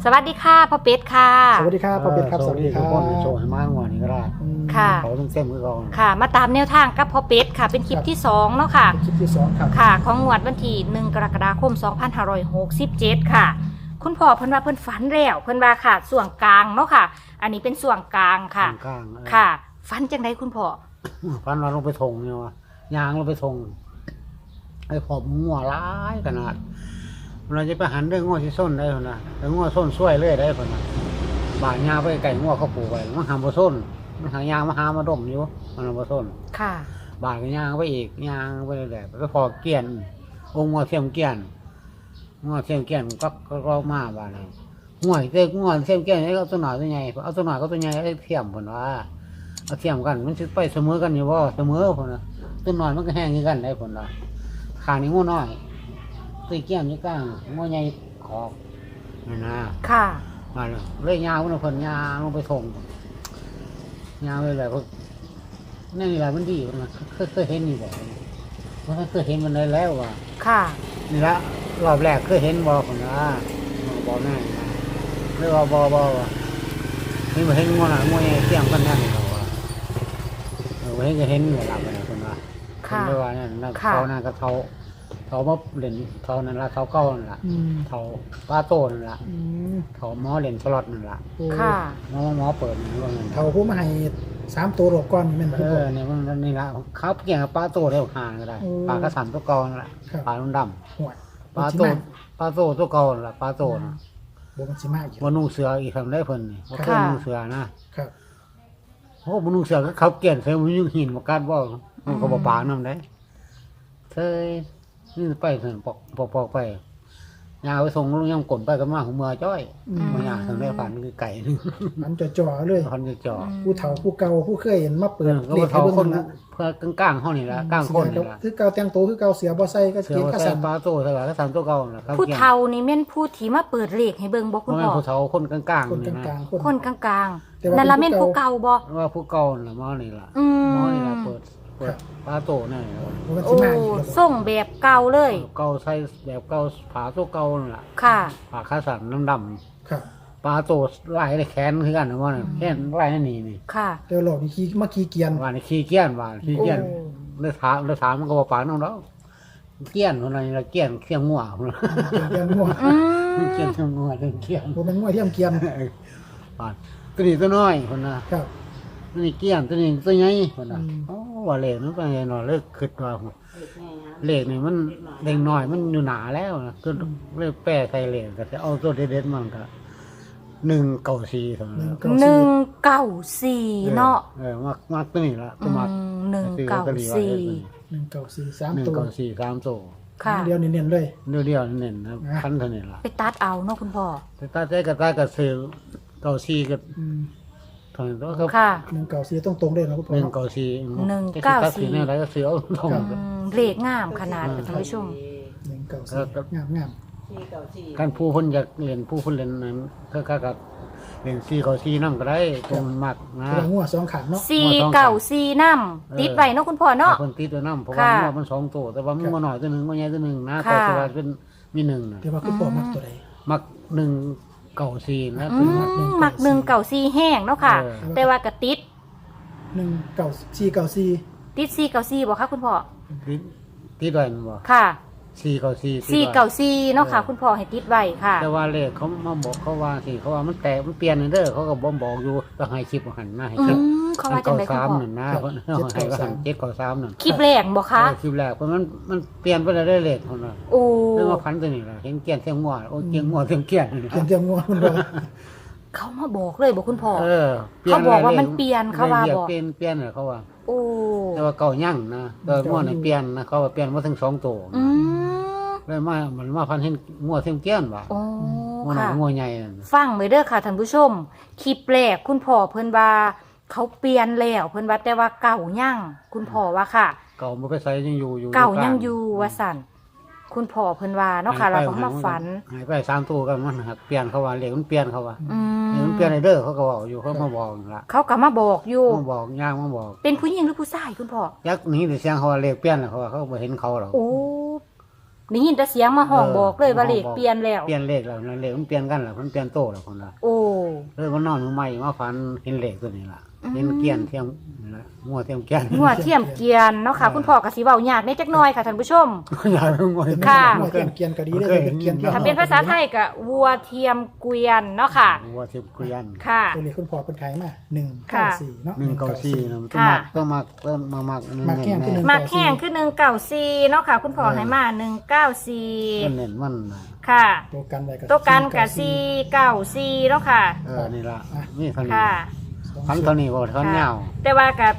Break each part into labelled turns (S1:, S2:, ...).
S1: สวัสดีค่ะพ่อเป็ดค่ะ
S2: สวัสดีครับพ่อเป็ดครับสวัสดีครับ
S3: โชว์ให้มากกว่านี้ก็ได้
S1: ค่ะ
S3: เขาต้องเต็มมือก่อน
S1: ค่ะ มาตามแนวทางกับพ่อเป็ดค่ะ เป็นคลิปที่2เนาะค่ะ
S2: คลิปที่สองครับ
S1: ค่ะ ของงวดวันที่1 กรกฎาคม 2567 ค่ะ คุณพ่อเพิ่นว่าเพิ่นฝันแล้วเพิ่นว่าค่ะส่วนกลางเนาะค่ะ อันนี้เป็นส่วนกลางค่ะ
S3: กลาง
S1: ค่ะฝันจังไดคุณพ่อ
S3: พันเราลงไปทงเนี่ยวะยางลงไปทงไอ้ขอบงัวร้ายขนาดเราจะไปหันด้วยงัวที่ส้นได้คนนะแต่งัวส้นช่วยเลยได้คนนะบาดยาไปไก่งัวเขาปลูกไว้มันหามบ่ส้นมันหายางมาหามาดมอยู่มันบ่ส้น
S1: ค่ะ
S3: บาดก็ยางไปอีกยางไปเลยแหละก็พอเกี้ยนองค์งัวเทียมเกี้ยนงัวเทียมเกี้ยนก็รอมาบาดเลยงัวเทียมเกี้ยนนี่เอาตัวหน่อยตัวใหญ่เอาตัวหน่อยก็ตัวใหญ่ไอ้เทียมคนว่าเอาเทียมกันมันจะไปเสมอกันอยู่ว่าเสมอคนนะตัวหน่อยมันก็แห้งกันได้คนละขานี่งัวน้อยตีเกี้ยนนี่ก้างงัวใหญ่ขอกนี่นะ
S1: ค่ะ
S3: มาเลยยาวคนคนยาวลงไปทงยาวเลยแหละพวกนี่แหละมันดีมันเคยเห็นนี่บ่มันเคยเห็นมันได้แล้วว่ะ
S1: ค่ะ
S3: นี่ละรอบแรกเคยเห็นบ่คนละบ่แน่นะเรียกว่าบ่ว่ะนี่มาเห็นงัวหน่ะงัวใหญ่เทียมกันนั่นเราว่ะเห็นก็เห็นเลยล่ะมันคนละเรียกว่านั่นเขานั่นก็เขามาเล่นเขานั่นละเขาเก้านั่นละเขาป้าโตนั่นละเขาหมอเล่นสล็อตนั่นละ
S1: ค่ะ
S3: หมอเปิดนี่ว่าเงิน
S2: เขาผู้มาให้3ตัวหลบก่อนนี่แม่นบ่ครับ
S3: เนี่ยมันนี่ละเขาเกี่ยงกับป้าโตได้ห่างก็ได้ปลากระสันตัวเก่านั่นแหละปลาลุ่นด
S2: ห่วย
S3: ำปลาโตตัวเก่านั่นแหละปลาโตนะ
S2: บ่มันสิมาอีก
S3: ว่านุ่งเสืออีกทำได้เพิ่นนี่ว่าเคยนุ่งเสือนะครับ โอ้บ่นุ่งเสือก็เขาเกี่ยนใส่มันยุ่งหินมากัดบ่มันก็บ่ปากนำได้เคยนี่ไปเพิ่นปอกไปยาไปส่งลุงยำกลนไปก็มาหัวเมื่อจ้อยมายาทำได้ฝันคือไก่นึง
S2: มันจ่อๆเลย
S3: พันจะจ่อ
S2: ผู้เฒ่าผู้เก่าผู้เคยเห็นมาเปิด
S3: ก็
S2: เล
S3: ว่า
S2: ขให้
S3: เขา
S2: เบิ่ง
S3: คน
S2: นั่นละ
S3: เพื่อกลางห้องนี่ละกลางคนนี่ละ
S2: คือเก่าแต่งตัวคือเก่าเสียบ่ใส่ก็
S3: เสือ
S2: เกียน
S3: ว่า
S2: ก็
S3: ใส่
S2: สั่น
S3: ปลาโตใส่ปลากระสันตัวเก่าน่ะ
S1: ผู้เฒ่านี่แม่นผู้ที่มาเปิดเลขให้เบิ่งบ่
S3: เพ
S1: คุณ
S3: ราะ
S1: พ่อ
S3: ผู้เฒ่าคนกลาง
S2: คน
S3: ๆนี่
S2: กลา
S3: นะ
S2: งๆ
S1: คนกลาง
S2: แต่
S1: ๆ
S2: ว่า
S1: นั่นละแม่นผู้เก่าบ่
S3: ว่าผู้เก่าน่ะหมอนี่ล่ะ
S1: อื
S3: หมอ
S1: ม
S3: นี่ล่ะเปิดปลาโตนี่ล่ะ
S2: บ่มัน
S1: โอ้
S2: สิมาอีกแล้ว
S1: ส่งแบบเก่าเลย
S3: เก่าใส่แบบเก่าผาตัวเก่านั่นล่ะ
S1: ค่ะ
S3: ผาขาสันดำ
S2: ครับ
S3: ๆปลาโตลายได้แขนคือกันนะว่าแขนลายนี่นี่
S1: ค่ะ
S2: เดี๋ยวหลอกนี่ขี่มาขี่เกียน
S3: ว่านี่ขี้เกี้ยนว่าขี้เกี้ยน
S1: โอ้
S3: เลยถามมันก็บ่ปากน้องดอกเกี้ยนคนนั้นละเกี้ยนเขี้ยงงัวพุ่นน่ะ
S2: เกียนงัว
S1: อืม
S3: เกี้ยนเขี้ยงงัวเรื่องเกี้ยน
S2: บ่แม่นงัวเทียมเกียน
S3: อ่าตัวนี้ตัวน้อยคนน่ะ
S2: ครับ
S3: ตัวนี้เกี้ยนตัวนี้ตัวใหญ่คนน่ะ
S2: อืม
S3: โอ้ว่าเลขมันเป็นไงเนาะเลขคิดว่าเลขนี่มันเด็กน้อยมันอยู่หนาแล้วนะก็เลยแปะใส่เลขก็จะเอาตัวเด็ดๆมันก็194เท่านั้น
S1: 194เนาะ
S3: มักตัวนี้ละตัวมัก
S1: 194
S2: 194 3ตัว
S3: 194 3ตัว
S1: ค่ะ
S2: เดียวเน้นๆเลย
S3: เดียวๆเน้นนะพันเท่านี้ละ
S1: ไปตัดเอาเนาะคุณพ่อ
S3: แต่ตาใจกับซื้อ94กับ
S2: อืม
S3: เท่านั้นตัวครับ
S1: ค่ะ
S2: 194ตรงๆเลยนะคุณพ่อ
S3: 194เนี่ยอะไรก็ซื้อเอาตรง
S1: เลขงามขนาดท่านผู้ชม
S2: 194งาม
S3: การผู้คนอยากเรียนผู้คนเรียนนั้นก็กับเรียน494นำก็ได้ตัวมันมัก
S2: ๆ
S3: นะ
S2: คือว่างัว2ขางเนาะ
S1: 494นำติดไว้เนาะคุณพ่อเนาะ
S3: คนติดตัวน้ำเพราะว่า
S1: ค่ะ
S3: มัน2ตัวแต่ว่ามันหน่อยตัวนึงมันใหญ่ตัวนึงนะ
S1: ค่ะ
S3: แต่ว่าเป็นมี1น่ะ
S2: แต่ว่าคือพ่อมักตัวใด
S3: มัก194นะ
S1: มัก194แห้งเนาะค่ะ แต่ว่ากระติด
S2: 19494
S1: ติด494บ่คะคุณพ่อ
S3: ติดไว้บ่
S1: ค่ะ
S3: 494
S1: 494เนาะค่ะ คุณพ่อให้ติดไว้ค่ะ
S3: แต่ว่าเลขเขามาบอกเขาว่าสิเขาว่ามันแตกมันเปลี่ยนเด้อเขาก็บ่บอกอยู่ต้องให้คลิปหันนะให้คลิป
S1: เขาว่าจังได๋คุณพ่อ
S3: 3นั่นนะเพิ่นให้ว่าหัน793นั่น
S1: คลิปแรกบ่คะ
S3: คลิปแรกเพราะมันเปลี่ยนไปได้เลขคนน่ะ
S1: โอ้
S3: เรื่องว่าพันตัวนี้ล่ะเห็นเกี้ยนเสียงงัวโอ้เกี้ยงงัวเสียงเกี้ยน
S2: เตรียมงัวคุณพ่อ
S1: เขามาบอกเลยบอกคุณพ่อ
S3: เขา
S1: เขาบอกว่ามันเปลี่ยนเขาว่าบอก
S3: เปลี่ยนเหรอเขาว่า
S1: โอ้
S3: แต่ว่าเก่ายั่งนะแต่งัวนี่เปลี่ยนนะเขาว่าเปลี่ยนมาถึง2ตัว
S1: อืม
S3: เลยมาพันเห็นงัวเสียงเกี้ยนว่ะ
S1: โอ้
S3: งัวหน่อ
S1: ค่ะ
S3: ยงัวใหญ่นั่น
S1: ฟังไว้เด้อค่ะท่านผู้ชม คลิปแรกคุณพ่อเพิ่นว่าเขาเปลี่ยนแล้วเพิ่นว่าแต่ว่าเก่ายั่งคุณพ่อว่าค่ะ
S3: เก่าบ่ไปใส่ยังอยู่
S1: เก่ายังอยู่ว่าสั่นคุณพ่อเพิ่นว่าเนาะค่ะเราก็มาฝัน
S3: หายไป3ตัวกันมันหักเปลี่ยนเขาว่าเลขมันเปลี่ยนเขาว่า
S1: อื
S3: เลขมันเปลี่ยนเด้อเขาก็บอกอยู่เขามาบอกนั่นล่ะ
S1: เขาก็มาบอกอยู่
S3: มาบอกย่างมาบอก
S1: เป็นผู้หญิงหรือผู้ชายคุณพ่อ
S3: ยักษ์หนีแต่เสียงเขาว่าเลขเปลี่ยนน่ะเขาว่าเขาบ่เห็นเขาหรอก
S1: โอ้ได้ยินแต่เสียงมาห้องบอกเลยว่าเลขเปลี่ยนแล้ว
S3: เปลี่ยนเลขแล้วนั่นเลขมันเปลี่ยนกันแล้วมันเปลี่ยนโตแล้วคนละ
S1: โอ้
S3: เลยมันนอนมือใหม่มาฝันเห็นเลขตัวนี้ล่ะเห็นเกี้ยนเทียมนี่ล่ะงัวเทียมเกี้ยน
S1: หัวเทียมเกียนเนาะค่ะ คุณพ่อก็สิเว้ายากได้จักหน่อยค่ะท่านผู้ชม
S3: อยากรู้งัว
S1: ค่ะ
S2: หัวเกียนเกียนก็ดีเลยเป็นเกียน
S1: ถ้าเป็นภาษาไทยก็วัวเทียมเกวียนเนาะค่ะ
S3: งัวเทียมเกี้ยน
S1: ค่ะ
S2: ตัวนี้คุณพ่อเป็นขายมา194เนาะ
S3: 194นะมันต้อง
S1: ค่ะ
S3: มักต้องมักเริ่มมามัก
S2: มักแห้งขึ้น
S1: มาแข่งคือ194เนาะค่ะ คุณพ่อให้มา194
S3: เน้นมันน่ะ
S1: ค่ะ
S2: ตัวกันไว้ก็
S1: ตัวกันกับ494เนาะค่ะ
S3: นี่ล่ะนี่เท่านี้
S1: ค่ะ
S3: พันเท่านี้บ่เท่าเงา
S1: แต่ว่ากับ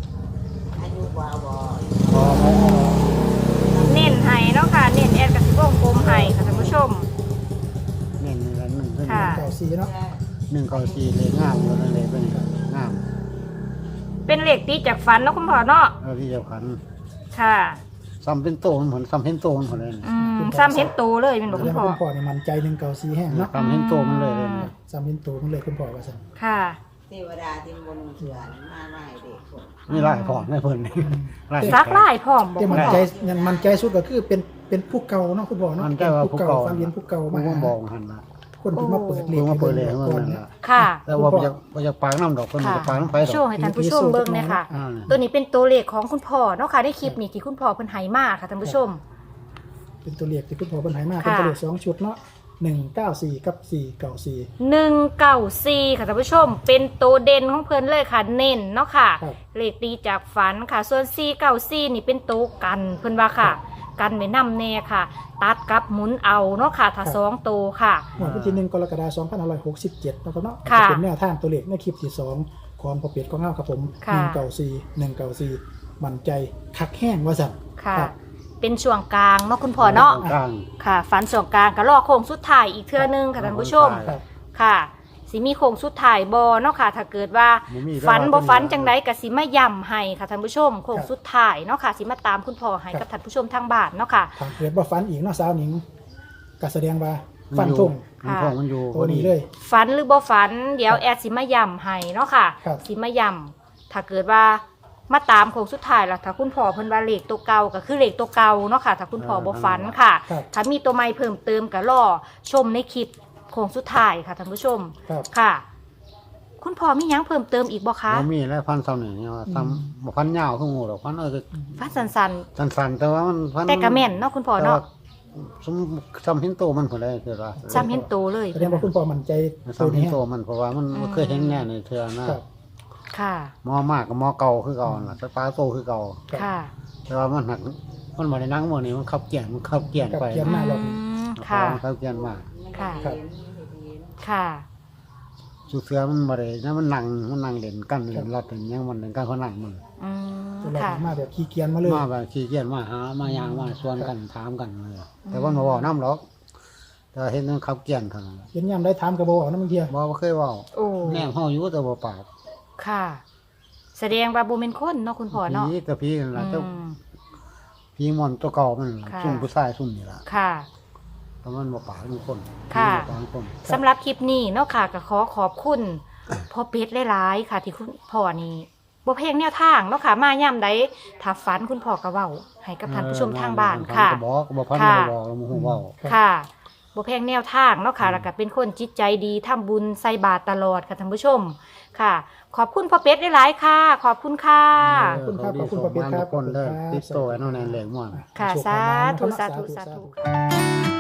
S1: เน้นให้เนาะค่ะเน้นแอดกับสิวงกลมให้ค่ะท่านผู้ชม
S3: เน้นนี่ละ1เท่า
S1: ค่ะ
S3: นี้
S2: 94เนาะ
S3: 194เลยงามอยู่นั่นเลยเป็นงาม
S1: เป็นเลขตีจากฝันเนาะคุณพ่อเนาะ
S3: ที่เดียวกัน
S1: ค่ะ
S3: ซ้ำเป็นโตมันเหมือนซ้ำเห็นโตมันเลย
S1: ซ้ำเห็นโตเลยเป็นบอก
S2: แสด
S1: คุ
S2: ง
S1: ณพ่อ
S2: ว่าคุณพ่อนี่มันใจ194แห้งเนาะ
S3: ซ้ำเห็นโตมันเลยเลย
S2: ซ้ำเป็นตัวมันเลยคุณพ่อว่าซั่น
S1: ค่ะ
S4: เทวดาที่บนเถื่อนมาไล่เด็กคน
S3: นี่ไล่พร้อมให้เพิ่นนี่ไล่
S1: ซักไล่พร้อมบอก
S2: แต่
S1: คุ
S2: มั
S1: ณ
S2: น
S1: พ่อ
S2: ใจมันใจสุดก็คือเป็นผู้เก่าเนาะคุณพ่อเนาะ
S3: มันใจว่าผู้เก่า
S2: ฟันเรียนผู้เก่า
S3: มั
S2: มาน
S3: บอกหันละ
S2: คนที่มาเปิดเล
S3: เพิ่
S2: ข
S3: งมาเปิดเลย
S2: ให้
S3: มัน
S2: ก่อน
S3: นั่น
S2: เนี่ย
S3: ละ
S1: ค่ะ
S3: แต่ว่าบ่อยากปากน้ำดอกเพิ่นบ่
S1: ค่ะ
S3: อยากปากน้ำไฟด
S1: โช
S3: อก
S1: ว์ให้ท่านผู้ชมเบิ่งเนี่ยค่ะ
S3: อ่า
S1: ตัวนี้เป็นตัวเลขของคุณพ่อเนาะค่ะได้คลิปนี้ที่คุณพ่อเพิ่นให้มาค่ะท่านผู้ชม
S2: เป็นตัวเลขที่คุณพ่อเพิ่นให้มา
S1: ค่ะ
S2: เป็นตัวเลข2ชุดเนาะ194กับ494
S1: 194ค่ะท่านผู้ชม เป็นตัวเด่นของเพิ่นเลยค่ะ เน้นเนาะค่ะ
S2: ครับ
S1: เลขตีจากฝันค่ะ ส่วน494นี่เป็นตัวกันเพิ่นว่าค่ะ กันไว้นำแน่ค่ะ ตัดกับหมุนเอาเนาะค่ะถ้า2ตัวค่ะ
S2: หมวดวันที่1กรกฎาคม2567นะครับเนาะ
S1: ค่ะ
S2: จะเป็นแนวทางตัวเลขในคลิปที่2ของพอเปียดของเฮาครับผม
S1: ค่ะ
S2: 194มั่นใจคักแห้งว่าซั่น
S1: ค่ะ
S2: ครับ
S1: เป็นช่วงกลางเนาะคุณพ่อเนาะ
S3: กลาง
S1: ค่ะฝันช่วงกลางก็รอโค้งสุดท้ายอีกเทื่อนึงค่ะท่านผู้ชม
S2: ครับ
S1: ค่ะสิมีโค้งสุดท้ายบ่เนาะค่ะ ถ้าเกิดว่า
S3: บ่มี
S1: ฝันบ่ฝัน
S3: แล้ว
S1: จังไดก็สิมาย้ำให้ค่ะท่านผู้ชมโค้งสุดท้ายเนาะค่ะสิมาตามคุณพ่อให้
S2: ครั
S1: กับบ ท่านผู้ชมทางบ้านเนาะค่ะ
S2: ถ้าเกิดว่าฟันอีกเนาะสาวหนิงก็แสดงว่าฟันธง
S3: มันทงมันอยู่
S2: ตัวนี้เลย
S1: ฝันหรือบ่ฝันเดี๋ยวแอดสิมาย้ำให้เนาะค่ะ
S2: ครับ
S1: สิมาย้ำถ้าเกิดว่ามาตามโค้งสุดท้ายล่ะถ้าคุณพ่อเพิ่นว่าเลขตัวเก่าก็คือเลขตัวเก่าเนาะค่ะ ถ้าคุณพ่อบ่ฝันค่ะ
S2: ครับ
S1: ถ้ามีตัวใหม่เพิ่มเติมก็รอชมในคลิปโค้งสุดท้ายค่ะท่านผู้ชม
S2: ครับ
S1: ค่ะ คุณพ่อมีหยังเพิ่มเติมอีกบ่คะ
S3: บ่มีแล้วพันซ้ำนี่ว่าซ้ำบ่พันยาวคืองูดอกพันคือ
S1: ฟันสัน
S3: สั้นๆแต่ว่ามันพัน
S1: ๆแต่กระแม่นเนาะคุณพ่อเนาะ
S3: ซ้ำเห็นโตมันพุ่นเลยคือว่า
S1: ซ้ำเห็นโตเลย
S2: แสดงว่าคุณพ่อมั่นใจตัว
S3: ซ้ำเห็น
S2: นี้
S3: โตมันเพราะว่ามันเคยเห็นแน่ในเทื่อนะครับ
S1: ค่ะ
S3: หมอมากกับหมอเก่าคือเก่าล่ะแต่ปลาโตคือเก่า
S1: ค่ะ
S3: แต่ว่ามันหักมันบ่ได้นั่งมื้อนี้มันขับเกียนไป
S2: เกียนมาแล้ว
S1: ค่ะ
S3: มันขับเกียนมา
S1: ค่ะ
S2: ครับ
S1: ค่ะ
S3: สุเสือมันบ่ได้นะมันนั่งเล่นกันเล่นรัดอย่างเงี้ยมันเล่นกันเขานั่งมัน
S1: อืม
S2: ตัวเรา
S1: ค่ะ
S2: มาแบบขี้เกียจมาเลย
S3: มาแบบขี้เกียจมาหามายางมาชวนกันถามกันเลยแต่ว่ามาบอกน้ำหรอกแต่เห็นมันขับเกียนเท่านั้น
S2: เห็นยามได้ถามกระบอกนะบางที
S3: บ่เคยเว้า
S1: โอ้
S3: แนมเฮาอยู่แต่บ่ปาก
S1: ค่ะ แสดงว่าบ่เป็นคนเนาะคุณพ่อเนาะ
S3: ผีแต่ผีนั่นล่ะแต่
S1: อืม
S3: ผีมอนตัวเก่ามันล่ะ
S1: ค่ะ
S3: ซุ่มผู้ชายซุ่มนี่ล่ะ
S1: ค่ะ
S3: แต่มันบ่ปากเป็นคน
S1: ค่ะ
S3: ผีบ่ปากเป็นคน
S1: สำหรับคลิปนี้เนาะค่ะก็ขอบคุณพ่อเป็ดหลายๆค่ะ ที่คุณพ่อนี่บ่เพลงแนวทางเนาะค่ะ มาย่ำใดถ้าฝันคุณพ่อก็เว้าให้กับท่านผู้ชมทางบ้านค่ะ
S3: ก็บอกบ่พัน
S1: ค่ะ
S3: ก็บอกแล้วบ่ฮู้เว้า
S1: ค่ะบ่แพงแนวทางเนาะค่ะ แล้วก็เป็นคนจิตใจดีทำบุญใส่บาตรตลอดค่ะท่านผู้ชม ค่ะ ขอบคุณพ่อเป็ดหลายๆค่ะ ขอบคุณค่ะ
S2: ขอบคุณครับขอบคุณพ่อเป็ดครับ
S3: ทุกคนเด้อ
S2: ขอบคุณครับ
S3: ติดโตไว้เนาะในแหลกม่วน
S1: ค่ะ สาธุ สาธุ สาธุค่ะ